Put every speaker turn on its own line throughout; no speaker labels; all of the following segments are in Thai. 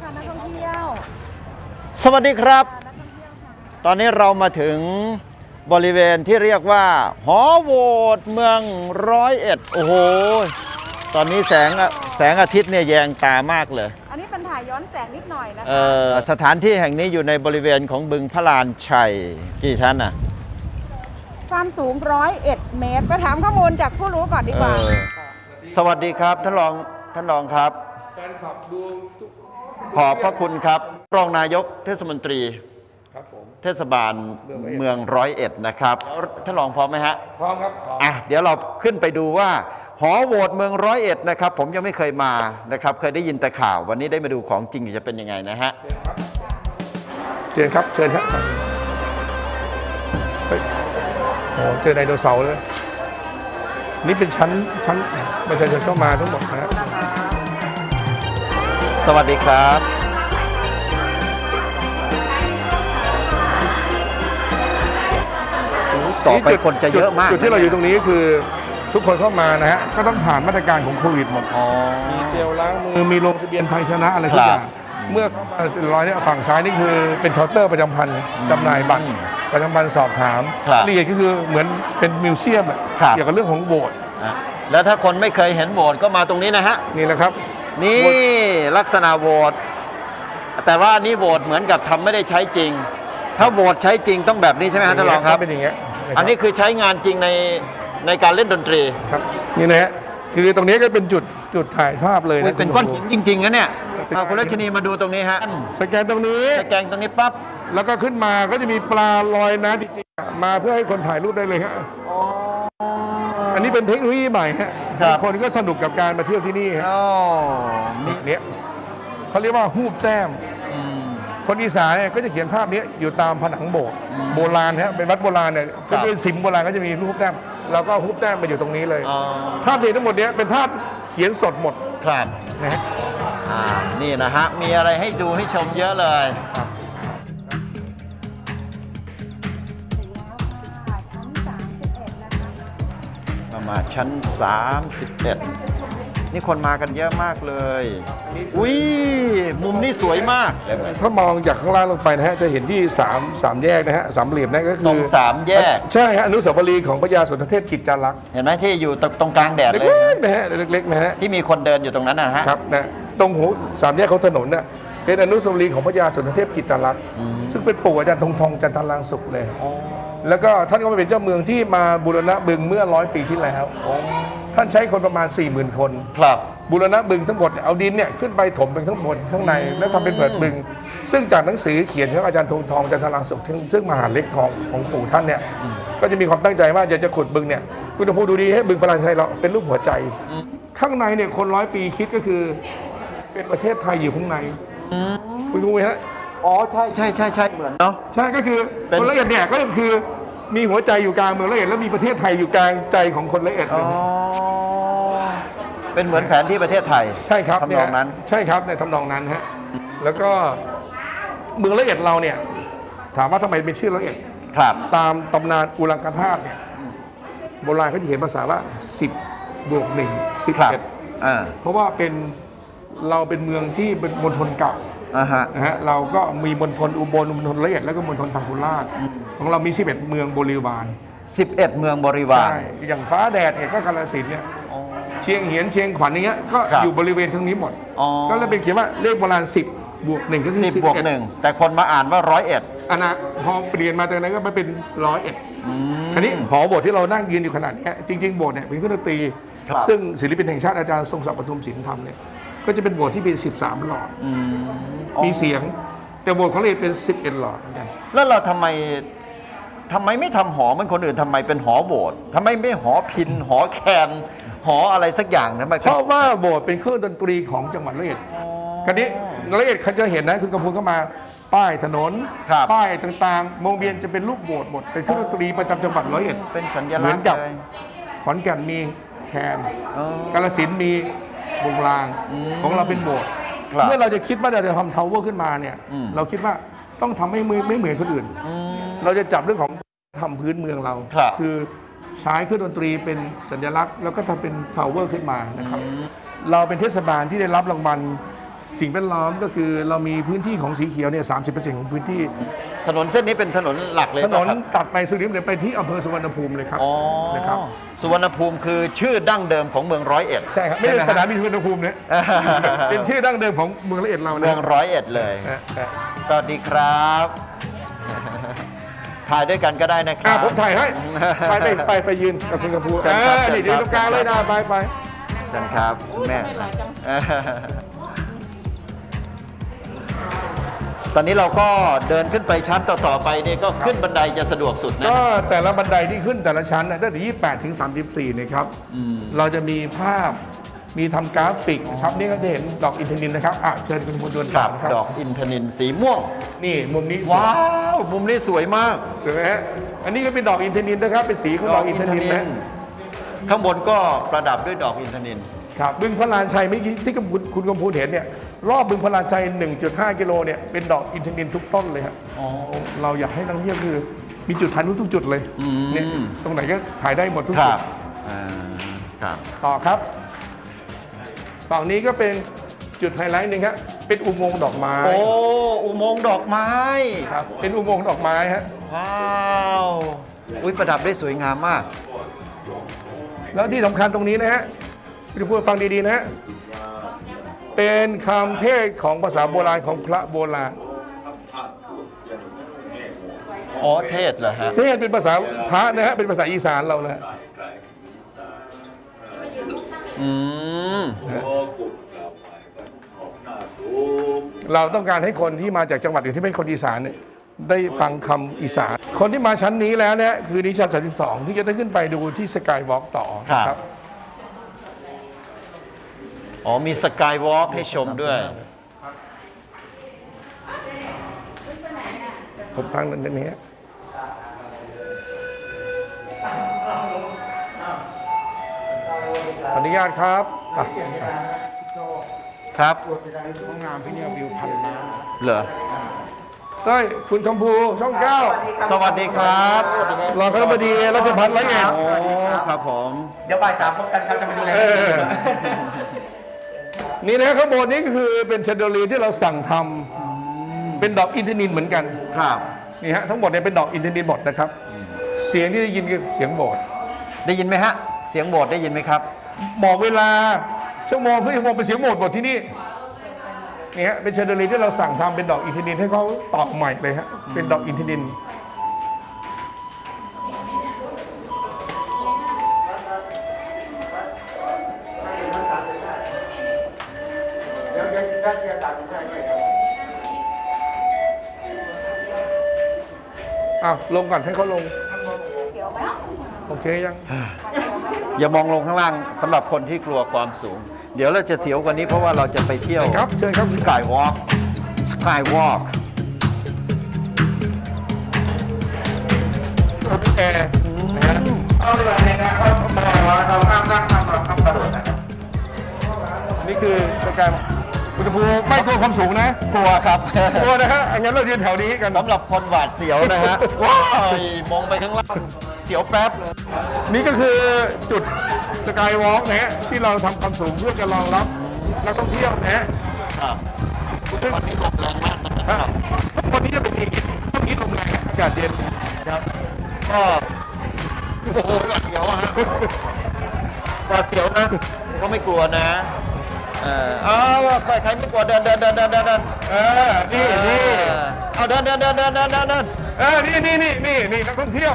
ค่ะนักท่องเที่ยว
สวัสดีครับ ตอนนี้เรามาถึงบริเวณที่เรียกว่าหอโหวตเมือง101โอ้โหตอนนี้แสงอาทิตย์เนี่ยแยงตามากเลย
อันนี้เป็นถ่ายย้อนแสงนิดหน่อยนะคะ
สถานที่แห่งนี้อยู่ในบริเวณของบึงพระลานชัยกี่ชั้นน่ะ
ความสูง101 เมตรไปถามข้อมูลจากผู้รู้ก่อนดีกว่า
สวัสดีครับท่านรองครับ
แฟนคลับดู
ขอบพระคุณครับรองนายกเทศมนตรี
ครับผม
เทศบาลเมือง101นะครับท่านรองพร้อมไหมฮะ
พร้อมครับ
เดี๋ยวเราขึ้นไปดูว่าหอโหวตเมือง101นะครับผมยังไม่เคยมานะครับเคยได้ยินแต่ข่าววันนี้ได้มาดูของจริงจะเป็นยังไงนะฮะ
เชิญครับเชิญครับโอ้เจอไดโนเสาร์เลยนี่เป็นชั้นประชาชนเข้ามาทั้งหมดนะครับ
สวัสดีครับต่อไปคนจะเยอะมาก
จุดที่เราอยู่ตรงนี้คือทุกคนเข้ามานะฮะก็ต้องผ่านมาตรการของโควิดหมดมีเจลล้างมือมีลงทะเบียนไทยชนะอะไรทุกอย่างเมื่อร้อยเนี่ยฝั่งซ้ายนี่คือเป็นเคาน์เตอร์ประจำพันธ์จำหน่ายบัตรประจำพันธ์สอบถามละเอียดก็คือเหมือนเป็นมิวเซียมเกี่ยวกับเรื่องของโบสถ์
แล้วถ้าคนไม่เคยเห็นโบสถ์ก็มาตรงนี้นะฮะ
นี่แหละครับ
นี่ลักษณะโหวตแต่ว่านี่โหวตเหมือนกับทำไม่ได้ใช้จริงถ้าโหวตใช้จริงต้องแบบนี้ใช่ไหมฮะท่านรองครับ
เป็นอย่างเงี้ย
อันนี้คือใช้งานจริงในการเล่นดนตรี
ครับนี่นะฮะคือตรงนี้ก็เป็นจุดถ่ายภาพเลยนะ
เป็นก้อนหินจริงๆนะเนี่ยคุณรัชนีมาดูตรงนี้ฮะ
สแกนตรงนี้
ปั๊บ
แล้วก็ขึ้นมาก็จะมีปลาลอยน้ำจริงๆมาเพื่อให้คนถ่ายรูปได้เลยฮะอันนี้เป็นเทคโนโลยีใหม่ฮะคนก็สนุกกับการมาเที่ยวที่นี่ฮะเนี่ยเขาเรียกว่าฮูบแต้มคนอีสานเนี่ยก็จะเขียนภาพนี้อยู่ตามผนังโบสถ์โบราณฮะเป็นวัดโบราณเนี่ยก็เป็นสิมโบราณก็จะมีรูปแต้มเราก็ฮูบแต้มมาอยู่ตรงนี้เลยภาพที่ทั้งหมดนี้เป็นภาพเขียนสดหมด
ครับ
นะฮะ
นี่นะฮะมีอะไรให้ดูให้ชมเยอะเลยมาชั้น31นี่คนมากันเยอะมากเลยอุ้ยมุมนี้สวยมาก
ถ้ามองจากข้างล่างลงไปนะฮะจะเห็นที่3แยกนะฮะสามเหลี่ยมนั่นก็คือ
ตรง3แยก
ใช่ฮะอนุสาวรีย์ของพระยาสุนทรเทพกิจจารักษ์
เห็นไหมที่อยู่ตรงกลางแดดเลย
นะฮะเล็กๆนะฮะ
ที่มีคนเดินอยู่ตรงนั้นนะฮะ
ครับนะตรงหู3แยกของถนนน่ะเป็นอนุสาวรีย์ของพระยาสุนทรเทพกิจจารักษ์ซึ่งเป็นปู่อาจารย์ทองจันทรังสุขเลยแล้วก็ท่านก็มาเป็นเจ้าเมืองที่มาบูรณะบึงเมื่อ100 ปีที่แล้วท่านใช้คนประมาณ 40,000 คน
ครับ
บูรณะบึงทั้งหมดเอาดินเนี่ยขึ้นไปถมเป็นข้างบนข้างในแล้วทำเป็นเปิดบึงซึ่งจากหนังสือเขียนของอาจารย์ทองจันทรังสุขซึ่งมหาเล็กทองของปู่ท่านเนี่ยก็จะมีความตั้งใจว่าจะขุดบึงเนี่ยคุณจะพูดดูดีให้บึงพระลานชัยเราเป็นรูปหัวใจข้างในเนี่ยคน100 ปีคิดก็คือเป็นประเทศไทยอยู่ข้างในคุณดูไหมฮะ
อ๋อใช่เหมือนเนาะ
ใช่ก็คือคนละเอียดเนี่ยก็คือมีหัวใจอยู่กลางเมืองละเอียดแล้วมีประเทศไทยอยู่กลางใจของคนละเอียด
เป็นเหมือนแผนที่ประเทศไทย
ใช่ครับ
ทำนองนั้น
ใช่ครับในทำนองนั้นฮะแล้วก็เมืองละเอียดเราเนี่ยถามว่าทำไมเป็นชื่อละเอียด
ครับ
ตามตำนานอุลังคธาตุเนี่ยโบราณเขาจะเขียนภาษาว่า10+1 11เพราะว่าเราเป็นเมืองที่เป็นมณฑลเก่านะฮะเราก็มีมณฑลอุบลมณฑลละเอียดแล้วก็มณฑลพังคุราชของเรามี11 เมืองบริวาร
11 เมืองบริวาร
ใช่อย่างฟ้าแดดเนี่ยก็กาฬสินธุ์เนี่ยเชียงเหียนเชียงขวัญอย่างเงี้ยก็อยู่บริเวณทั้งนี้หมดก็เลยเป็นเขียนว่าเลขโบราณ10+1ก็คือ
10+1แต่คนมาอ่านว่า101
นะพอเปลี่ยนมาจากนั้นก็มาเป็น101อันนี้หอโบสถ์ที่เรานั่งยืนอยู่ขนาดนี้จริงๆโบสถ์เนี่ยเป็นเครื่องดนตรีซึ่งศิลปินแห่งชาติอาจารย์ทรงศักดิ์ปทุมศิลป์ทำเนี่ยก็จะเป็นโบสถ์ที่เป็น13 หลอดมีเสียงแต่โบสถ์ของเราเป็น11 หลอดเหมือนกัน
แล้วเราทำไมไม่ทำหอเหมือนคนอื่นทำไมเป็นหอโบสถ์ทำไมไม่หอพิณหอแคนหออะไรสักอย่างทำไม
เพราะว่าโบสถ์เป็นเครื่องดนตรีของจังหวัดร้อยเอ็ดคราวนี้ร้อยเอ็ดเขาจะเห็นนะคุณกำพูนเข้ามาป้ายถนนป้ายต่างๆวงเวียนจะเป็นรูปโบสถ์หมดเป็นเครื่องดนตรีประจำจังหวัดร้อยเอ็ด
เป็นสัญลักษณ์
เหมือนกับขอนแก่นมีแคนกาฬสินธุ์มีวงรางของเราเป็นโบสถ์เมื่อเราจะคิดว่าเราจะทำทาวเวอร์ขึ้นมาเนี่ยเราคิดว่าต้องทำให้ไม่เหมือนคนอื่นเราจะจับเรื่องของทำพื้นเมืองเราคือใช้เครื่องดนตรีเป็นสัญลักษณ์แล้วก็ทำเป็นทาวเวอร์ขึ้นมานะครับเราเป็นเทศบาลที่ได้รับรางวัลสิ่งแวดล้อมก็คือเรามีพื้นที่ของสีเขียวเนี่ย30%ของพื้นที่
ถนนเส้นนี้เป็นถนนหลักเลย
ถนน
ป่ะครับ
ตัดไปสุรินทร์เลยไปที่อำเภอสุวรรณภูมิเลยครับ
อ๋อ
นะครับ
สุวรรณภูมิคือชื่อดั้งเดิมของเมืองร้อยเอ็ด
ใช่ครับไม่ใช่
ห
ส
ฮะ
นามบินสุวรรณภูมิเนี่ย เป็นชื่อดั้งเดิมของเมืองละเอียดเรานะ
เมืองร้อยเอ็ดเลย สวัสดีครับ ถ่ายด้วยกันก็ได้นะครั
ผมถ่ายให้ไปยืนกับคุณกระพู
เชิญครับ
นี่ยืนตรงกลางเลยนะไป
เชิญครับคุณแม่ ตอนนี้เราก็เดินขึ้นไปชั้นต่อๆไปนี่ก็ขึ้นบันไดจะสะดวกสุดนะ
ก็แต่ละบันไดที่ขึ้นแต่ละชั้นนะตั้งแต่28ถึง34นะครับ เราจะมีภาพมีทำกราฟิกนะครับนี่ก็จะเห็นดอกอินทนิลนะครับเชิญคุณผู้ชม
ครับ
นะครับ
ดอกอินทนิลสีม่วง
นี่มุมนี้
ว้าว มุมนี้สวยมาก
สวยไหมฮะอันนี้ก็เป็นดอกอินทนิลนะครับเป็นสีของดอกอินทนิลนะ
ข้างบนก็ประดับด้วยดอกอินทนิล
ครับบึงพระลานชัยเมื่อกี้ที่คุณกำพูนเห็นเนี่ยรอบบึงพระลานชัย 1.5 กิโลเนี่ยเป็นดอกอินทนิลทุกต้นเลยครับเราอยากให้นักท่องเที่ยวคือมีจุดถ่ายรูปทุกจุดเลยเนี่ยตรงไหนก็ถ่ายได้หมดทุก
ค
จุ
รั
ด
บครับ
ต่อครับฝั่งนี้ก็เป็นจุดไฮไลท์หนึ่งครับเป็นอุโมงค์ดอกไม้
โอ้ อุโมงค์ดอกไม้
ครับเป็นอุโมงค์ดอกไม้ฮะ
ว้าวอุ้ยประดับได้สวยงามมาก
แล้วที่สำคัญตรงนี้นะฮะคุณผู้ฟังดีๆนะฮะเป็นคำเทศของภาษาโบราณของพระโบราณ
อ๋อ เทศเหรอฮะ
เทศเป็นภาษาพระนะฮะเป็นภาษาอีสานเรานะ
อืม
เราต้องการให้คนที่มาจากจังหวัดอื่นที่เป็นคนอีสานเนี่ยได้ฟังคำอีสานคนที่มาชั้นนี้แล้วเนี่ยคือนิชั้น32 ที่จะได้ขึ้นไปดูที่สกายวอล์กต่อนะครับ
อ๋อ มีสกายวอล์กให้ชมด้วย
ผมทางนั้นนี้ขออนุญาตครับ
ครับ
ห้องน้ำพี่เนี่ยวิวพันน้ำ
เหรอ
เต้ยคุณคำภูช่อง 9
สวัสดีครับ
รองคณบดีรัชพัฒน์101
โอ้ ครับผม
เดี๋ยวบ่ายสามพบกันครับจะมาดูแล
นี่นะข้างบนนี้ก็คือเป็นเชนเดอเลียร์ที่เราสั่งทำเป็นดอกอินทนิลเหมือนกัน
ครับ
นี่ฮะทั้งหมดเนี่ยเป็นดอกอินทนิลหมดนะครับ เสียงที่ได้ยินคือเสียงโบสถ์
ได้ยินไหมฮะ เสียงโบสถ์ได้ยินไหมครับ
บอกเวลาชั่วโมงเพื่อชั่วโมงเป็นเสียงโบสถ์หมดที่นี่นี่ฮะเป็นเชนเดอเลียร์ที่เราสั่งทำเป็นดอกอินทนิลให้เขาตอกใหม่เลยฮะเป็นดอกอินทนิล
เดี๋ยวได้เจอกันใช่ไหมครับ
ลงก่อนให้เขาลงโอเคยัง
อย่ามองลงข้างล่างสำหรับคนที่กลัวความสูง เดี๋ยวเราจะเสียวกว่านี้เพราะว่าเราจะไปเที่ยว
ครับเชิญครับ
สกายวอล์กสกายวอล์ก
แอร์นะฮะเอาเลยนะเอามาเอาข้ามนั่งข้ามกระโดดนะครับนี่คือสกายคุณตะพูไม่กลัวความสูงนะ
กลัวครับ
กลัวนะฮะงั้นเรายืนแถวนี้กัน
สำหรับคนหวาดเสียวนะฮะ ว้ายมองไปข้างล่าง เสียวแป๊บเลย
นี่ก็คือจุดสกายวอล์กนะฮะที่เราทำความสูงเพื่อจะรองรับนักท่องเที่ยวนะฮะ
ครับ
ซึ่ง
ตอนนี้ลมแรงมากนะครับ
วันนี้จะเป็นอย่างนี้ช่วงนี้ลมแรงอากาศเย็นนะครับ
ก็โอ้โหหวาดเสียวอะฮะหวาดเสียวนะ ก็ไม่กลัวนะเอาใครไม่กลัวเดินนี่ เอาเดิน
นี่นักท่องเที่ยว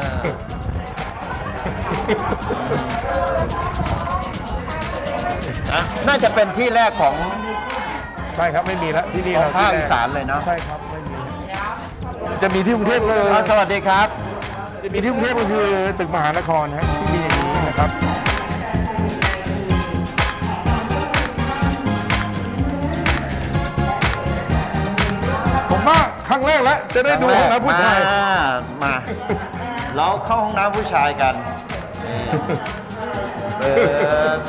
น่าจะเป็นที่แรกของ
ใช่ครับไม่มีแล้วที่นี่
ของภาคอีสานเลยเนาะ
ใช่ครับไม่มีจะมีที่กรุงเทพเลย
สวัสดีครับ
จะมีที่กรุงเทพก็คือตึกมหานครฮะที่มีอย่างนี้นะครับ ผมว่าครั้งแรกแล้วจะได้ดูห้องน้ำผู้ชาย
มาเราเข้าห้องน้ำผู้ชายกันนี่เปิด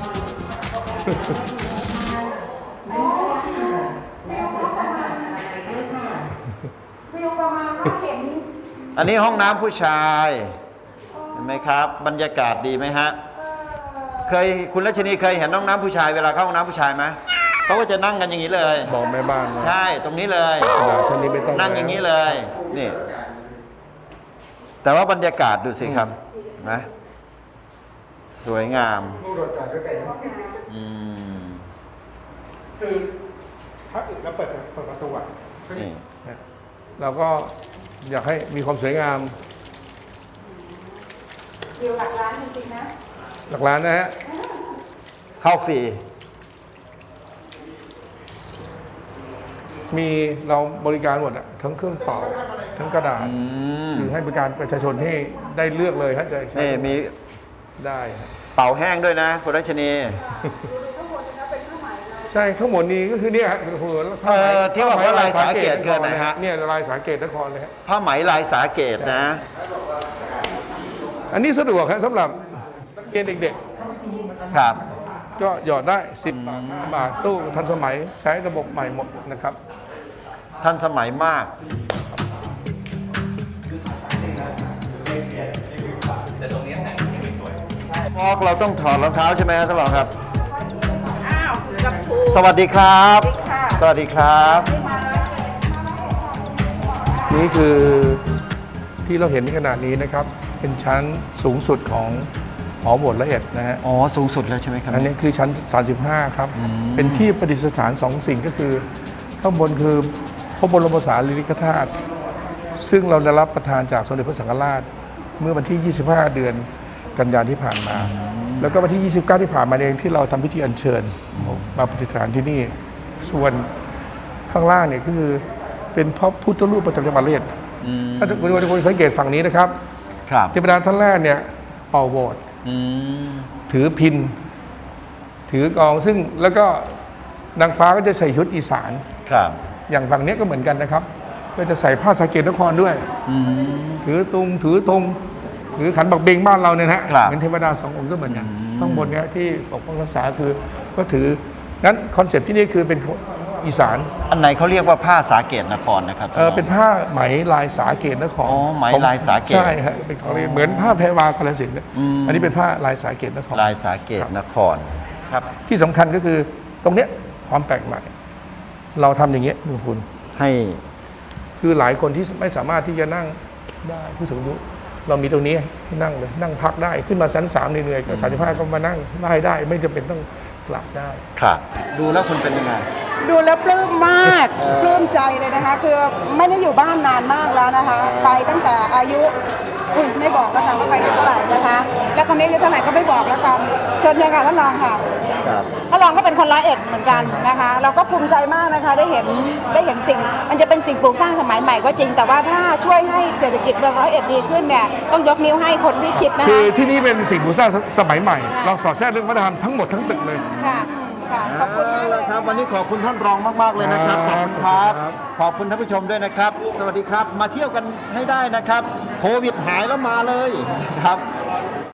วิวประมาณเห็น
อันนี้ห้องน้ำผู้ชายเห็นไหมครับ บรรยากาศดีไหมฮะ คุณรัชนีเคยเห็นห้องน้ำผู้ชายเวลาเข้าห้องน้ำผู้ชายไหมเขาก็จะนั่งกันอย่างนี้เลย
บอกแม่บ้านนะ
ใช่ตรงนี้เลย
กระดาษชั้นนี้ไม่ต้อง
นั่งอย่างนี้เลยนี่ แต่ว่าบรรยากาศดูสิครับนะสวยงาม
ผู้โดดจอดด้วยกัน
อืม
คือถ้าอึดแล้วเปิดประตูอ่ะ
นี่
เราก็อยากให้มีความสวยงาม
วิวหลักล้านจริงๆนะ
หลักล้านนะฮะ
เข้าฟรี
มีเราบริการหมดอะทั้งเครื่องเป่าทั้งกระดาษ
อืม
คือให้บริการประชาชนให้ได้เลือกเลยฮะจะใช้
นี่มี
ได้ฮะ
เป่าแห้งด้วยนะคุณรัชนี
ใช่ทั้งหมดนี้ก็คือเนี่ยฮะคือผ้าไหม
ที่บอกว่าลายสาเกตคืออะไรฮะ
เนี่ยลายสาเกตนครเลยฮะ
ผ้าไหมลายสาเกตนะ
อันนี้สะดวกครับสำหรับนักเรียนเด็ก
ครับ
ๆ ก็หยอดได้10 บาท5 บาทตู้ทันสมัยใช้ระบบใหม่หมดนะครับ
ทันสมัยมากพอกเราต้องถอดรองเท้าใช่ไหมครับท่านรองครับ
อ้าวกับครู
สวัสดีครับ สวัสดีครับ
นี่คือที่เราเห็นในขณะนี้นะครับ เป็นชั้นสูงสุดของหอโบสถ์ละเอียดนะฮะ
อ๋อ สูงสุดแล้วใช่ไหมครับ
อันนี้คือชั้น 35 ครับ เป็นที่ประดิษฐาน2 สิ่งก็คือข้างบนคือพระบรมสารีริกธาตุซึ่งเราได้รับประทานจากสมเด็จพระสังฆราช เมื่อวันที่ 25 เดือนกันยายนที่ผ่านมา แล้วก็วันที่ 29 ที่ผ่านมาเองที่เราทำพิธีอัญเชิญมาประดิษฐานที่นี่ ส่วนข้างล่างเนี่ยก็คือเป็นพระพุทธรูปประจำจังหวัดระยอง
อืม
ถ้าคุณสังเกตฝั่งนี้นะครับ
ครับ
เทวดาท่านแรกเนี่ยเป่าโบสถ์
อืม
ถือพิน ถือกลองซึ่งแล้วก็นางฟ้าก็จะใส่ชุดอีสาน
ครับ
อย่างฝั่งนี้ก็เหมือนกันนะครับ ก็จะใส่ผ้าสาเกตนครด้วย
อืม
ถือตุงถือธงถือขันบักเบงบ้านเราเนี่ยนะฮะ
ครับ
เหมือนเทวดา2 องค์ก็เหมือนกัน
อืม
ข้างบนเนี้ยที่ปกป้องรักษาคือก็ถืองั้นคอนเซ็ปต์ที่นี่คือเป็นอีสาน
อันไหนเขาเรียกว่าผ้าสาเกตนครนะครับ
เป็นผ้าไหมลายสาเกตนคร
อ๋อไหมลายสาเกต
ใช่ฮะเป็นของเหมือนผ้าแพรวากาฬสินธุ์เนี่ย
อืม
อันนี้เป็นผ้าลายสาเกตนคร
ลายสาเกตนคร ครับ
ที่สำคัญก็คือตรงเนี้ยความแปลกใหม่ เราทำอย่างเงี้ยคุณ
ให้
คือหลายคนที่ไม่สามารถที่จะนั่งได้ผู้สูงอายุเรามีตรงนี้ให้นั่งเลยนั่งพักได้ขึ้นมาชั้น3เหนื่อยๆก็35ก็มานั่งได้ไม่จำเป็นต้องกลับได้
ครับ ดูแล้วคุณเป็นยังไง
ดูแล้วปลื้มมากปลื้มใจเลยนะคะ คือไม่ได้อยู่บ้านนานมากแล้วนะคะ ไปตั้งแต่อายุไม่บอกแล้วกันว่าไปอายุเท่าไหร่นะคะ แล้วตอนนี้อายุเท่าไหร่ก็ไม่บอกแล้วกันเชิญยังค่ะท่านรองค่ะ
ครับ
ท่านรองก็เป็นคน101เหมือนกันนะคะ เราก็ภูมิใจมากนะคะได้เห็นสิ่ง มันจะเป็นสิ่งปลูกสร้างสมัยใหม่ก็จริง แต่ว่าถ้าช่วยให้เศรษฐกิจเมือง101ดีขึ้นเนี่ยต้องยกนิ้วให้คนที่คิดนะ
คื
คะ
อที่นี่เป็นสิ่งปลูกสร้างสมัยใหม่
ค่ะ
เราสอดแทรกเรื่องวัฒนธรรมทั้งหมดทั้งตึกเลย
ค่ะค่ะขอบคุณมากเลย
ครับ วันนี้ขอบคุณท่านรองมาก ๆ เลยนะครับ ข
ค
อ
รั
บบ คุณครับ
ครับ
ขอบคุณท่านผู้ชมด้วยนะครับ สวัสดีครับ มาเที่ยวกันให้ได้นะครับ โควิดหายแล้วมาเลยครับ